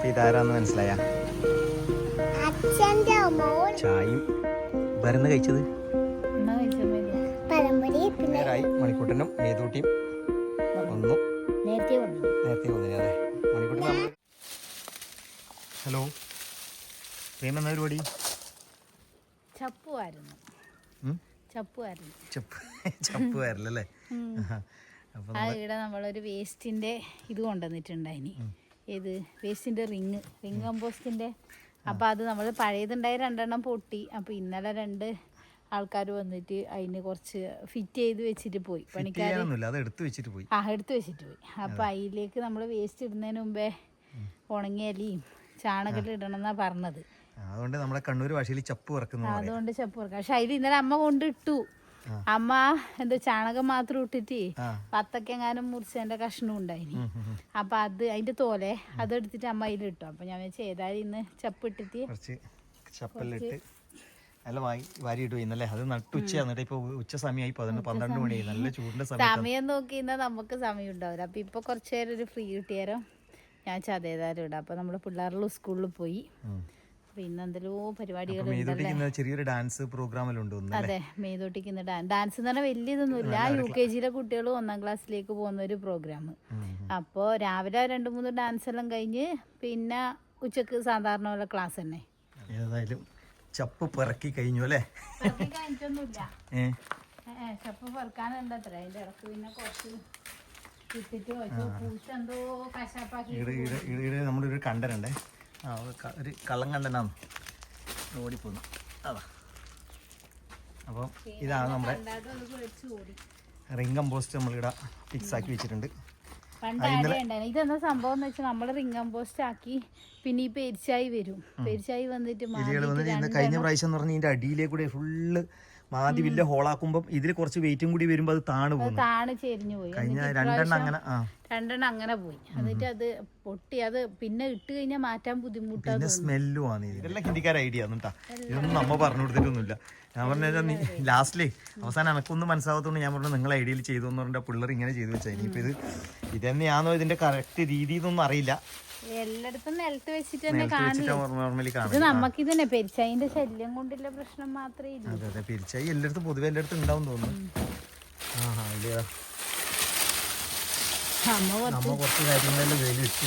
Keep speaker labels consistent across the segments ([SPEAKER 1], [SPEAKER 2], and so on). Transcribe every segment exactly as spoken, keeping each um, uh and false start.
[SPEAKER 1] അപ്പൊ ഇതാരാന്ന് മനസ്സിലായ? ചായയും വരുന്ന കഴിച്ചത് നേരായി. മണിക്കൂട്ടനും മേതൂട്ടിയും ഒന്നും നേരത്തെ വന്നില്ല. അതെ, മണിക്കൂട്ടൻ നമ്മൾ. ഹലോ പ്രേമ, എന്നാ പരിപാടി?
[SPEAKER 2] ചപ്പുമായിരുന്നു ചപ്പുമായിരുന്നു
[SPEAKER 1] ചപ്പ് ചപ്പുമായിരുന്നല്ലേ?
[SPEAKER 2] ആ ഇവിടെ നമ്മളൊരു വേസ്റ്റിന്റെ ഇത് കൊണ്ടുവന്നിട്ടുണ്ടായിനി. ഏത് വേസ്റ്റിന്റെ റിങ് റിങ് കമ്പോസ്റ്റിന്റെ. അപ്പൊ അത് നമ്മൾ പഴയതുണ്ടായി രണ്ടെണ്ണം പൊട്ടി. അപ്പൊ ഇന്നലെ രണ്ട് ആൾക്കാർ വന്നിട്ട് അതിന് കുറച്ച് ഫിറ്റ് ചെയ്ത് വെച്ചിട്ട് പോയി. പണിക്കാർ ആ എടുത്ത് വെച്ചിട്ട് പോയി. അപ്പൊ അതിലേക്ക് നമ്മൾ വേസ്റ്റ് ഇടുന്നതിന് മുമ്പേ ഉണങ്ങിയ ഇലയും ചാണകത്തിൽ ഇടണം എന്നാ പറഞ്ഞത്.
[SPEAKER 1] അതുകൊണ്ട് നമ്മുടെ കണ്ണൂർ ഭാഷയിൽ ചപ്പ് പറക്കുന്നു.
[SPEAKER 2] അതുകൊണ്ട് ചപ്പ് പറക്കാം. പക്ഷെ അതിൽ ഇന്നലെ അമ്മ കൊണ്ടിട്ടു. അമ്മ എന്തോ ചാണകം മാത്രം ഇട്ടിട്ട് പത്തൊക്കെങ്ങാനും മുറിച്ചതിന്റെ കഷ്ണം ഉണ്ടായിനി. അപ്പൊ അത് അതിന്റെ തോലെ അതെടുത്തിട്ട് അമ്മ അതിലിട്ടു. അപ്പൊ ഞാൻ വെച്ചാൽ ഏതായാലും ഇന്ന് ചപ്പ് ഇട്ടിട്ട്
[SPEAKER 1] ചപ്പലിട്ട് നല്ല വാരി ഇട്ടു. ഇന്നലെ അത് നട്ടുച്ച എന്നിട്ട് ഇപ്പൊ ഉച്ച സമയമായി പന്ത്രണ്ട് മണിയായി. നല്ല ചൂടിന്റെ
[SPEAKER 2] സമയം നോക്കി ഇന്നാ നമുക്ക് സമയം ഉണ്ടാവില്ല. അപ്പൊ ഇപ്പൊ കുറച്ചു നേരം ഒരു ഫ്രീ കിട്ടിയാരോ ഞാൻ ചതേതായാലും ഇടാം. അപ്പൊ നമ്മള് പിള്ളേരുടെ സ്കൂളിൽ പോയി. പിന്നെന്തല്ലോ പരിപാടികൾ.
[SPEAKER 1] ചെറിയൊരു ഡാൻസ് പ്രോഗ്രാമിലുണ്ട്.
[SPEAKER 2] അതെ, മേതോട്ടിക്ക് ഇന്ന് ഡാൻസ് എന്ന് പറഞ്ഞാൽ വലിയ ഇതൊന്നുമില്ല. യു കെ ജിയിലെ കുട്ടികൾ ഒന്നാം ക്ലാസ്സിലേക്ക് പോകുന്ന ഒരു പ്രോഗ്രാം. അപ്പോൾ രാവിലെ രണ്ട് മൂന്ന് ഡാൻസ് എല്ലാം കഴിഞ്ഞ് പിന്നെ ഉച്ചക്ക് സാധാരണ പോലെ ക്ലാസ് തന്നെ.
[SPEAKER 1] ഏതായാലും ചപ്പ് പെറക്കി കഴിഞ്ഞു അല്ലേ?
[SPEAKER 2] കഴിഞ്ഞിട്ടൊന്നുമില്ല, ചപ്പ് പെറുക്കാനുണ്ട് അത്ര. അതിന്റെ ഇടക്ക് പിന്നെ കുറച്ച് എന്തോ കശാപ്പാക്കി
[SPEAKER 1] നമ്മുടെ ഒരു കണ്ടനുണ്ടേ. ആ ഒരു കള്ളം കണ്ടനാണ് ഓടിപ്പോന്നു. അതാ. അപ്പം ഇതാണ് നമ്മുടെ റിംഗ് കമ്പോസ്റ്റ് നമ്മളിവിടെ ഫിക്സ് ആക്കി വെച്ചിട്ടുണ്ട്.
[SPEAKER 2] ഇതെന്താ സംഭവം എന്ന് വെച്ചാൽ നമ്മള് റിംഗ് കമ്പോസ്റ്റ് ആക്കി പിന്നെ ഈ പെരിച്ചായി വരും. പെരിച്ചായി വന്നിട്ട്
[SPEAKER 1] കഴിഞ്ഞ പ്രാവശ്യം എന്ന് പറഞ്ഞാൽ ഇതിന്റെ അടിയിലെ കൂടെ ഫുള്ള് മാതി വലിയ ഹോളാക്കുമ്പോ ഇതിൽ കുറച്ച് വെയിറ്റും കൂടി വരുമ്പോ അത് താണു പോകും.
[SPEAKER 2] താണു ചെരിഞ്ഞു പോയി.
[SPEAKER 1] കഴിഞ്ഞ രണ്ടെണ്ണം അങ്ങനെ
[SPEAKER 2] രണ്ടെണ്ണം അങ്ങനെ പോയി. എന്നിട്ട് അത് പൊട്ടി. അത് പിന്നെ ഇട്ട് കഴിഞ്ഞാൽ മാറ്റാൻ ബുദ്ധിമുട്ടാണ്.
[SPEAKER 1] പിന്നെ സ്മെല്ലും ആണ്. ഇതെല്ലാം ഹിന്ദിക്കാർ ഐഡിയ ആണ് കേട്ടാ. ഇതൊന്നും നമ്മ പറഞ്ഞു കൊടുത്തിട്ടൊന്നുമില്ല. ഞാൻ പറഞ്ഞാൽ ലാസ്റ്റിലേ അവസാനം എനക്കൊന്നും മനസ്സിലാകത്തോണ്ട് ഞാൻ പറഞ്ഞു നിങ്ങൾ ഐഡിയയിൽ ചെയ്തു എന്ന് പറഞ്ഞാൽ പിള്ളേർ ഇങ്ങനെ ചെയ്തു വെച്ചാൽ ഇനിയിപ്പോ ഇത് ഇതന്നെയാണോ ഇതിന്റെ കറക്റ്റ് രീതി എന്നൊന്നും അറിയില്ല.
[SPEAKER 2] എല്ലായിടത്തും നിലത്ത് വെച്ചിട്ട് തന്നെ കാണും. നമുക്ക് ഇതന്നെ പെരിച്ചായിന്റെ ശല്യം കൊണ്ടുള്ള പ്രശ്നം മാത്രമേ ഇല്ല.
[SPEAKER 1] അതെ അതെ, പെരിച്ചായി എല്ലായിടത്തും പൊതുവെ എല്ലായിടത്തും ഉണ്ടാവും തോന്നുന്നു. നമ്മ കുറച്ച് കാര്യങ്ങളെല്ലാം വെയിൽ വെച്ചു.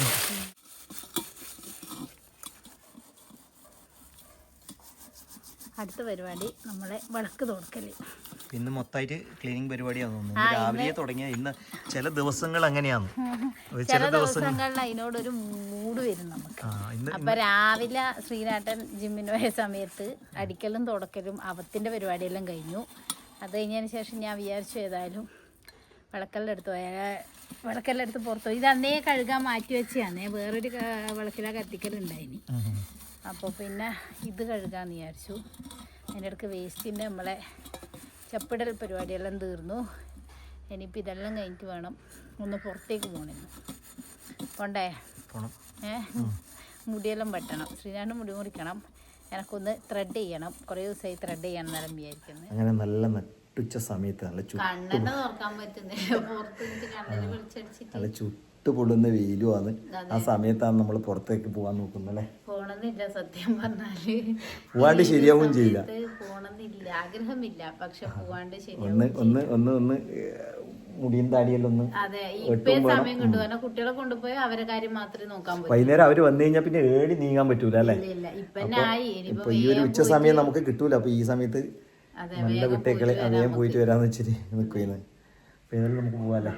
[SPEAKER 2] അടുത്ത പരിപാടി നമ്മളെ വിളക്ക് തുറക്കല്.
[SPEAKER 1] ഇന്ന് മൊത്തമായിട്ട് ക്ലീനിങ് പരിപാടിയാന്ന് തോന്നുന്നു. രാവിലെ തുടങ്ങിയ ഇന്ന് ചില ദിവസങ്ങൾ അങ്ങനെയാണ്.
[SPEAKER 2] ചില ദിവസങ്ങളിൽ അതിനോടൊരു മൂഡ് വരും നമുക്ക്. അപ്പൊ രാവിലെ ശ്രീനാട്ടൻ ജിമ്മിന് പോയ സമയത്ത് അടിക്കലും തുടക്കലും അവത്തിന്റെ പരിപാടിയെല്ലാം കഴിഞ്ഞു. അത് കഴിഞ്ഞതിന് ശേഷം ഞാൻ വിചാരിച്ചു ഏതായാലും വിളക്കെല്ലാം എടുത്ത് പോയാൽ വിളക്കെല്ലാം എടുത്ത് പുറത്തു പോയി. ഇത് അന്നേ കഴുകാൻ മാറ്റി വെച്ചാന്നേ. വേറൊരു വിളക്കില കത്തിക്കലുണ്ടായിനി. അപ്പോൾ പിന്നെ ഇത് കഴുകാമെന്ന് വിചാരിച്ചു. അതിൻ്റെ ഇടയ്ക്ക് വേസ്റ്റിൻ്റെ നമ്മളെ ചപ്പിടൽ പരിപാടിയെല്ലാം തീർന്നു. ഇനിയിപ്പോൾ ഇതെല്ലാം കഴിഞ്ഞിട്ട് വേണം ഒന്ന് പുറത്തേക്ക് പോകണമെന്ന്. പോണ്ടേ? ഏ മുടിയെല്ലാം വെട്ടണം. ശ്രീനാഥ് മുടി മുറിക്കണം. എനക്കൊന്ന് ത്രെഡ് ചെയ്യണം. കുറേ ദിവസമായി ത്രെഡ് ചെയ്യണം നേരം വിചാരിക്കുന്നത്.
[SPEAKER 1] അങ്ങനെ നല്ല നട്ടുച്ച സമയത്ത് നല്ല
[SPEAKER 2] കണ്ണെന്നെ തുറക്കാൻ പറ്റുന്നില്ല. പുറത്ത് കണ്ണിന് വിളിച്ചടിച്ചിട്ട്
[SPEAKER 1] നല്ല ചുട്ട് പൊള്ളുന്ന വെയിലുമാണ്. ആ സമയത്താണ് നമ്മൾ പുറത്തേക്ക് പോകാൻ നോക്കുന്നത്.
[SPEAKER 2] പോണെന്നില്ല, സത്യം പറഞ്ഞാല്
[SPEAKER 1] പോവാണ്ട് ശരിയാവും ചെയ്യില്ല.
[SPEAKER 2] പോണെന്നില്ല, ആഗ്രഹമില്ല. പക്ഷെ പോവാണ്ട്
[SPEAKER 1] ഒന്ന് ഒന്ന് ഒന്ന് ഒന്ന് മുടിയും താടിയെല്ലാം ഒന്ന്.
[SPEAKER 2] അതെ, ഇപ്പേ സമയം കിട്ടും. കാരണം കുട്ടികളെ കൊണ്ടുപോയി അവരെ കാര്യം മാത്രമേ നോക്കാൻ പറ്റൂ.
[SPEAKER 1] വൈകുന്നേരം അവര് വന്നു കഴിഞ്ഞാൽ പിന്നെ ഏടി നീങ്ങാൻ പറ്റൂല അല്ലേ? ഇപ്പൊ ഈ ഒരു ഉച്ച സമയം നമുക്ക് കിട്ടൂല. അപ്പൊ ഈ സമയത്ത് നല്ല വിട്ടേക്കളെ അതേം പോയിട്ട് വരാന്ന് വെച്ചിട്ട് നിൽക്കുന്നത്. പിന്നെ നമുക്ക് പോവാല്ലേ?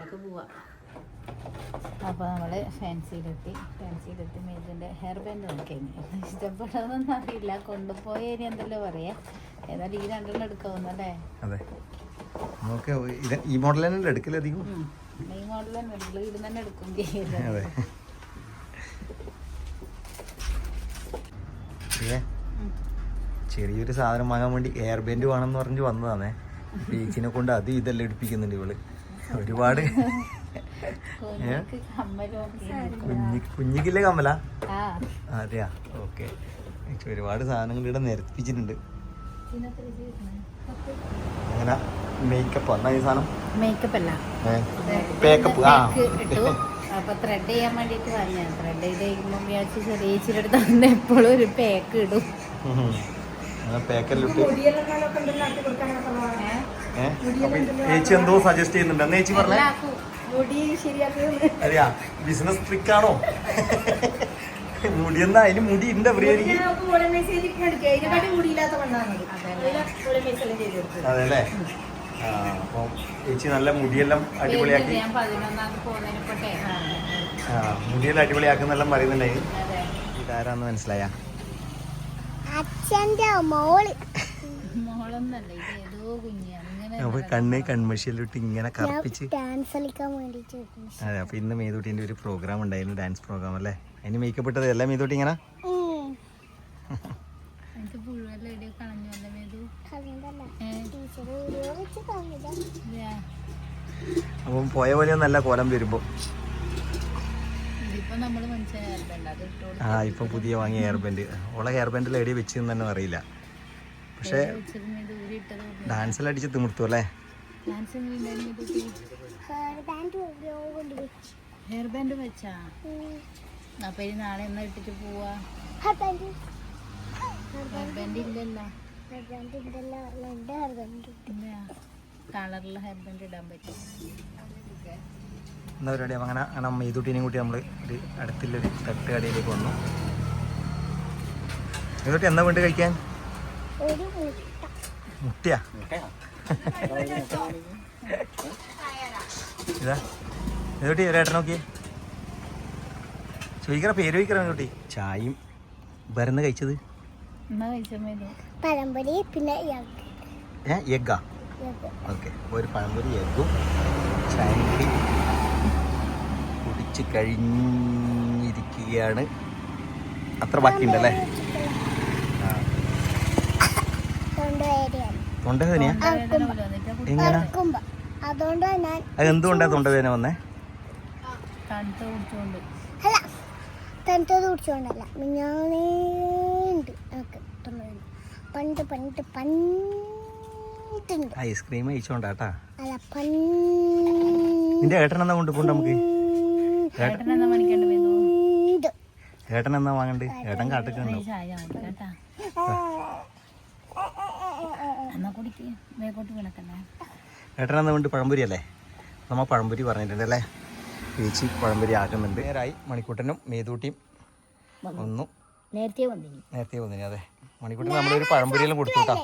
[SPEAKER 2] അപ്പോൾ നമ്മൾ ഫാൻസിയിലെത്തി. ഫാൻസിയിലെത്തി മേതിൻ്റെ ഹെയർ ബാൻഡ് നോക്കിയാണ്. ഇഷ്ടപ്പെടുന്നൊന്നും അറിയില്ല. കൊണ്ടുപോയി ഇനി എന്തല്ലോ പറയാ. ഏതായാലും ഈ രണ്ടെണ്ണം എടുക്കാവുന്നല്ലേ?
[SPEAKER 1] അതെ, നമുക്ക് ഈ മോഡൽ തന്നെ എടുക്കില്ല അധികം.
[SPEAKER 2] ഈ മോഡൽ തന്നെ എടുക്കില്ല, ഇത് തന്നെ എടുക്കും ചെയ്യില്ല.
[SPEAKER 1] അതെ, ചെറിയൊരു സാധനം വാങ്ങാൻ വേണ്ടി ഹെയർ ബാൻഡ് വേണമെന്ന് പറഞ്ഞ് വന്നതാണേ. ബീച്ചിനെ കൊണ്ട് അത് ഇതെല്ലാം എടുപ്പിക്കുന്നുണ്ട് ഇവള്. ഒരുപാട് കുഞ്ഞിക്കില്ലേ കമ്മല? അതെയാ, ഓക്കെ. ഒരുപാട് സാധനങ്ങൾ ഇവിടെ നിരപ്പിച്ചിട്ടുണ്ട്. അങ്ങനെ മേക്കപ്പ് എന്നാ ഈ സാധനം?
[SPEAKER 2] മേക്കപ്പ് അല്ല,
[SPEAKER 1] മേക്കപ്പ്. ആ
[SPEAKER 2] അപ്പൊ ത്രെഡ് ചെയ്യാൻ വേണ്ടിട്ട് പറഞ്ഞ ത്രെഡ് ചെയ്ത് കഴിയുമ്പോൾ വിചാരിച്ച് ചെറിയ ഇച്ചിരി അടുത്ത് തന്നെ എപ്പോഴും ഒരു പാക്ക് ഇടും.
[SPEAKER 1] ചേച്ചി എന്തോ സജസ്റ്റ് ചെയ്യുന്നുണ്ട് എന്ന് ചേച്ചി പറഞ്ഞേ. അതെയാ ബിസിനസ് ട്രിക്ക് ആണോ? മുടി എന്നാ അതിന് മുടി ഉണ്ട് അതെല്ലേ. ആ അപ്പൊ ചേച്ചി നല്ല മുടിയെല്ലാം അടിപൊളിയാക്കി ആ മുടിയെല്ലാം അടിപൊളിയാക്കുന്നെല്ലാം പറയുന്നുണ്ടായി. ഇതാരാന്ന് മനസ്സിലായ?
[SPEAKER 3] അച്ഛന്റെ മോള്.
[SPEAKER 1] അപ്പൊ കണ്ണ് കൺമഷിയിലിട്ട് ഇങ്ങനെ കറുപ്പിച്ച്
[SPEAKER 3] ഡാൻസ് കളിക്കാൻ വേണ്ടിട്ട്.
[SPEAKER 1] അതെ. അപ്പൊ ഇന്ന് മേതൂട്ടിന്റെ ഒരു പ്രോഗ്രാം ഉണ്ടായിരുന്നു, ഡാൻസ് പ്രോഗ്രാം അല്ലേ? അതിന് മേക്കപ്പ് ഇട്ടത് അല്ലേ മേതൂട്ടി? ഇങ്ങനെ അപ്പം പോയ പോലെ നല്ല കോലം വരുമ്പോ. ആ ഇപ്പൊ പുതിയ വാങ്ങിയ ഹെയർ ബാൻഡ്. ഓളെ ഹെയർ ബാൻഡിൽ എടി വെച്ചെന്ന് തന്നെ അറിയില്ല. പക്ഷെ ഡാൻസിൽ അടിച്ച് തിമിർത്തു അല്ലേ?
[SPEAKER 2] ഹെയർ ബാൻഡ് വെച്ചാ അപ്പൊ ഇനി നാളെ എന്നാ ഇട്ടിട്ട് പോവാ? ഹെയർ ബാൻഡ് ഇല്ലല്ലോ. കളറിലെ ഹെയർ ബാൻഡ് ഇടാൻ പറ്റും.
[SPEAKER 1] എന്താ പരിപാടി? അങ്ങനെ അങ്ങനെ മേതൂട്ടിനെയും കൂട്ടി നമ്മൾ ഒരു അടുത്തുള്ളൊരു തട്ടുകടയിലേക്ക് വന്നു. മേതൂട്ടി എന്താ വേണ്ടി കഴിക്കാൻ? മുട്ടയാ? ഇതാ മേതൂട്ടി ഒരേട്ടൻ നോക്കിയേ. ചോദിക്കറ പേര് ചോദിക്കറ മേതൂട്ടി. ചായയും വരുന്ന കഴിച്ചത്
[SPEAKER 3] പഴംപൊരി പിന്നെ
[SPEAKER 1] ഏ എഗ്ഗാ? ഓക്കെ. ഒരു പഴംപൊരി എഗ്ഗും ചായയും കൂടി കുടിച്ച് കഴിഞ്ഞിരിക്കുകയാണ്. അത്ര ബാക്കിയുണ്ടല്ലേ? തൊണ്ടവേദനയാ? എങ്ങനെ? അതെന്തുകൊണ്ടാ തൊണ്ടവേദന വന്നേ?
[SPEAKER 3] അല്ല തണുത്തത് കുടിച്ചോണ്ടല്ല, മിഞ്ഞാണ്ട് പണ്ട് പണ്ട് പണ്ട്
[SPEAKER 1] ഐസ്ക്രീം കഴിച്ചോണ്ടാട്ടാ.
[SPEAKER 3] അല്ല
[SPEAKER 1] നിന്റെ ഏട്ടൻ എന്നാ കൊണ്ടുപോണ്ട് നമുക്ക്? ഏട്ടൻ എന്നാ വാങ്ങണ്ട്? ഏട്ടൻ കാട്ടിട്ടുണ്ടോ? ഏട്ടൻ എന്നാ കൊണ്ട് പഴംപൊരി അല്ലേ? നമ്മ പഴംപൊരി പറഞ്ഞിട്ടുണ്ട് അല്ലേ? ചേച്ചി പഴംപൊരി ആക്കുന്നുണ്ട്. നേരായി മണിക്കൂട്ടനും മേതൂട്ടിയും ഒന്നു
[SPEAKER 2] നേരത്തെ വന്നിനി.
[SPEAKER 1] നേരത്തെ വന്നിനി. അതെ. മണിക്കൂട്ടൻ നമ്മളൊരു പഴംപൊരിയെല്ലാം കൊടുത്തു കേട്ടോ.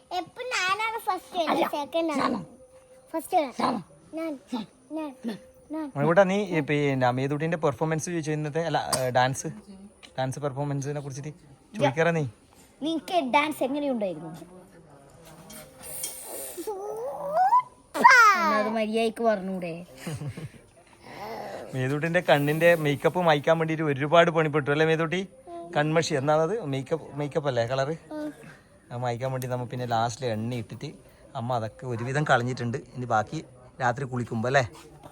[SPEAKER 1] മണിക്കൂട്ടാ നീ പിന്നെ മേതൂട്ടിന്റെ പെർഫോമൻസ് ചോദിച്ചു ഇന്നത്തെ. അല്ല ഡാൻസ് ഡാൻസ് പെർഫോമൻസിനെ കുറിച്ചിട്ട് ചോദിക്കാറ. നീ
[SPEAKER 2] നിനക്ക് ഡാൻസ് എങ്ങനെയുണ്ടായിരുന്നു? അത് മര്യാദക്ക് പറഞ്ഞൂടെ?
[SPEAKER 1] മേതൂട്ടിന്റെ കണ്ണിന്റെ മേക്കപ്പ് മായ്ക്കാൻ വേണ്ടിട്ട് ഒരുപാട് പണിപ്പെട്ടു അല്ലേ മേതൂട്ടി? കൺമഷി എന്നാണത്? മേക്കപ്പ് മേക്കപ്പ് അല്ലേ കളറ്? അത് മായ്ക്കാൻ വേണ്ടി നമ്മൾ പിന്നെ ലാസ്റ്റിൽ എണ്ണ ഇട്ടിട്ട് അമ്മ അതൊക്കെ ഒരുവിധം കളഞ്ഞിട്ടുണ്ട്. ഇനി ബാക്കി രാത്രി കുളിക്കുമ്പോ അല്ലേ?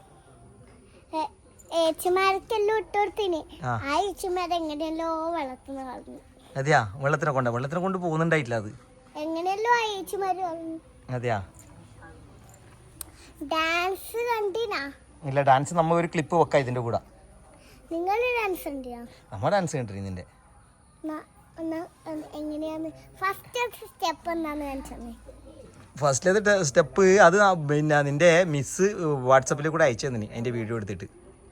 [SPEAKER 1] അതെയാ? വെള്ളത്തിനെ കൊണ്ട വെള്ളത്തിനെ കൊണ്ട് പോകുന്നുണ്ടായിട്ടില്ല അത്. അതെയാ?
[SPEAKER 3] ഡാൻസ് കണ്ടിനാ?
[SPEAKER 1] ഇല്ല. ഡാൻസ് നമ്മ ഒരു ക്ലിപ്പ് വെക്കാം ഇതിന്റെ കൂടെ.
[SPEAKER 3] നിങ്ങൾ ഡാൻസ്
[SPEAKER 1] നമ്മ ഡാൻസ് കണ്ടിരുന്നു ഇതിന്റെ. ഫസ്റ്റിലത്തെ സ്റ്റെപ്പ് അത് പിന്നെ നിന്റെ മിസ് വാട്സപ്പിൽ കൂടെ അയച്ചു തന്നെ അതിന്റെ വീഡിയോ എടുത്തിട്ട്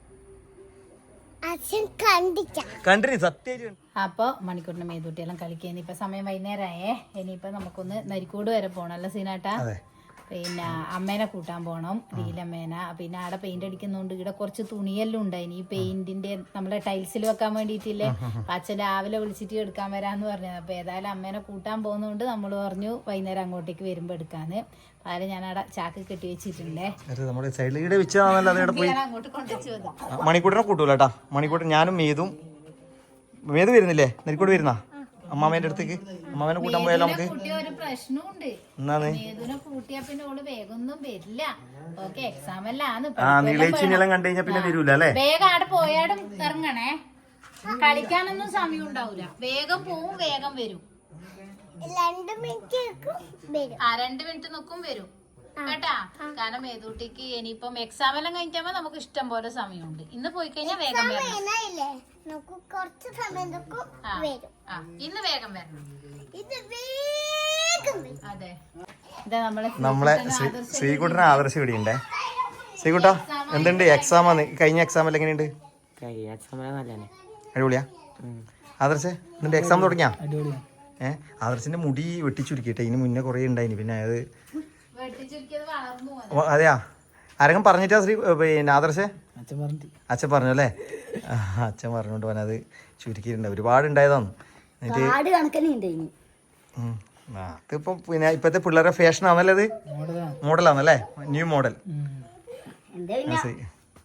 [SPEAKER 1] കണ്ടിന് സത്യം.
[SPEAKER 2] അപ്പൊ മണിക്കൂറിന്റെ മേതൂട്ടിയെല്ലാം കളിക്കുക. ഇനിയിപ്പൊ സമയം വൈകുന്നേരമായേ. ഇനിയിപ്പൊ നമുക്കൊന്ന് നരിക്കൂട് വരെ പോണം അല്ല സീനാട്ടാ? പിന്നെ അമ്മേനെ കൂട്ടാൻ പോണം, ലീലമ്മേന. പിന്നെ അവിടെ പെയിന്റ് അടിക്കുന്നോണ്ട് ഇവിടെ കുറച്ച് തുണിയെല്ലാം ഉണ്ടായിന് ഈ പെയിന്റിന്റെ നമ്മളെ ടൈൽസിൽ വെക്കാൻ വേണ്ടിയിട്ടില്ലേ. അച്ഛൻ രാവിലെ വിളിച്ചിട്ട് എടുക്കാൻ വരാന്ന് പറഞ്ഞത്. അപ്പൊ ഏതായാലും അമ്മേനെ കൂട്ടാൻ പോകുന്നോണ്ട് നമ്മൾ പറഞ്ഞു വൈകുന്നേരം അങ്ങോട്ടേക്ക് വരുമ്പോ എടുക്കാന്ന്. അതിൽ ഞാൻ അവിടെ ചാക്ക് കെട്ടി വെച്ചിട്ടുണ്ടേ. അങ്ങോട്ട് കൊണ്ടുവച്ചു
[SPEAKER 1] മണിക്കൂട്ടിനെ കൂട്ടൂലട്ടാ. മണിക്കൂട്ടൻ ഞാനും മേതും. മേതു വരുന്നില്ലേ? നെരിക്കോട് വരുന്ന അമ്മാമേന്റെ അടുത്തേക്ക് അമ്മാമേനെ കൂട്ടാൻ പോയാലോ നമുക്ക്?
[SPEAKER 2] ഒരു പ്രശ്നമുണ്ട്. മേതുനെ കൂട്ടിയാ പിന്നെ ഓള് വേഗമൊന്നും വരില്ല. ഓക്കെ എക്സാം എല്ലാം
[SPEAKER 1] കണ്ടു കഴിഞ്ഞാൽ പിന്നെ വരൂല അല്ലേ?
[SPEAKER 2] വേഗം അവിടെ പോയാടും ഇറങ്ങണേ. കളിക്കാനൊന്നും സമയം ഉണ്ടാവൂല. വേഗം പോവും വേഗം വരും. ആ രണ്ട് മിനിറ്റ് നിൽക്കും വരും. കേട്ടാ. കാരണം മേതൂട്ടിക്ക് ഇനിയിപ്പം എക്സാം എല്ലാം കഴിഞ്ഞാൽ നമുക്ക് ഇഷ്ടം പോലെ സമയമുണ്ട്. ഇന്ന് പോയി കഴിഞ്ഞാൽ വേഗം വരണം.
[SPEAKER 3] ഇല്ലേ നമുക്ക് കുറച്ച് സമയം നോക്കും
[SPEAKER 2] ആ,
[SPEAKER 3] വരും.
[SPEAKER 2] ആ, ഇന്ന് വേഗം വരണം.
[SPEAKER 3] ഇത് വേഗം വരും.
[SPEAKER 2] അതെ, ഇതാ നമ്മളെ
[SPEAKER 1] നമ്മളെ ശ്രീകുട്ടനെ ആദർശം ഇവിടെ ഉണ്ടേ. ശ്രീകുട്ടാ എന്തുണ്ട് എക്സാം ആണ് കഴിഞ്ഞ എക്സാം എല്ലാം എങ്ങനെയുണ്ട്? അടിപൊളിയാ. ആദർശേ എന്നിട്ട് എക്സാം തുടങ്ങിയാ? ഏഹ് ആദർശിന്റെ മുടി വെട്ടിച്ചുരുക്കിട്ടെ, ഇതിന് മുന്നേ കുറേ ഉണ്ടായിന്. പിന്നെ അത്
[SPEAKER 2] വെട്ടിച്ചുരുക്കിയത് വളർന്നു പോയി.
[SPEAKER 1] ഓ, അതെയാ ആരെങ്കിലും പറഞ്ഞിട്ടാ ശ്രീ പിന്നെ ആദർശേ? അച്ഛൻ പറഞ്ഞു അല്ലേ? ആ, അച്ഛൻ പറഞ്ഞോണ്ട് പോകാൻ അത് ചുരുക്കിയിട്ടുണ്ട്. ഒരുപാട് ഉണ്ടായതാണ്. എന്നിട്ട് ഉം. ആ അതിപ്പം പിന്നെ ഇപ്പോഴത്തെ പിള്ളേരുടെ ഫാഷൻ ആണല്ലേ, അത് മോഡലാണല്ലേ, ന്യൂ മോഡൽ. ശരി.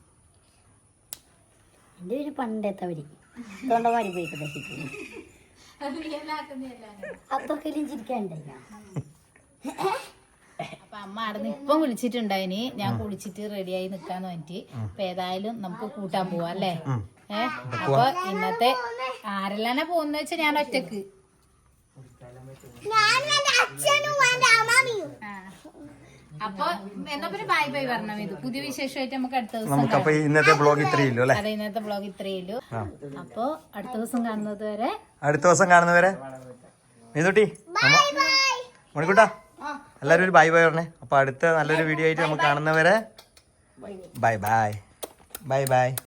[SPEAKER 3] പണ്ടത്തവര് തൊണ്ടവാടി പോയിട്ട്
[SPEAKER 2] അത് real ആക്കുന്നില്ല.
[SPEAKER 3] അപ്പൊക്കെ ചിരിക്കാണ്ടായി.
[SPEAKER 2] അപ്പൊ അമ്മ അവിടെ ഇപ്പം വിളിച്ചിട്ടുണ്ടായിനി. ഞാൻ കുളിച്ചിട്ട് റെഡിയായി നിക്കാന്ന് പറഞ്ഞിട്ട്. അപ്പൊ ഏതായാലും നമുക്ക് കൂട്ടാൻ പോവാ അല്ലേ? ഏഹ് അപ്പൊ ഇന്നത്തെ ആരെല്ലാനെ പോകുന്ന വെച്ചാ ഞാൻ ഒറ്റക്ക്. അപ്പൊ എന്നാ പിന്നെ ബൈ ബൈ പറഞ്ഞ ഇത് പുതിയ വിശേഷമായിട്ട് നമുക്ക് അടുത്ത ദിവസം
[SPEAKER 1] നമുക്കപ്പൊ ഇന്നത്തെ ബ്ലോഗ് ഇത്രയല്ലോ അല്ലേ?
[SPEAKER 2] അതെ, ഇന്നത്തെ ബ്ലോഗ് ഇത്രയുള്ളൂ. അപ്പൊ അടുത്ത ദിവസം കാണുന്നത് വരെ
[SPEAKER 1] അടുത്ത ദിവസം കാണുന്നവരെ മേതൂട്ടി മണിക്കൂട്ടാ എല്ലാവരും ഒരു ബൈ ബൈ പറഞ്ഞേ. അപ്പൊ അടുത്ത നല്ലൊരു വീഡിയോ ആയിട്ട് നമുക്ക് കാണുന്നവരെ ബൈ ബൈ ബൈ ബൈ.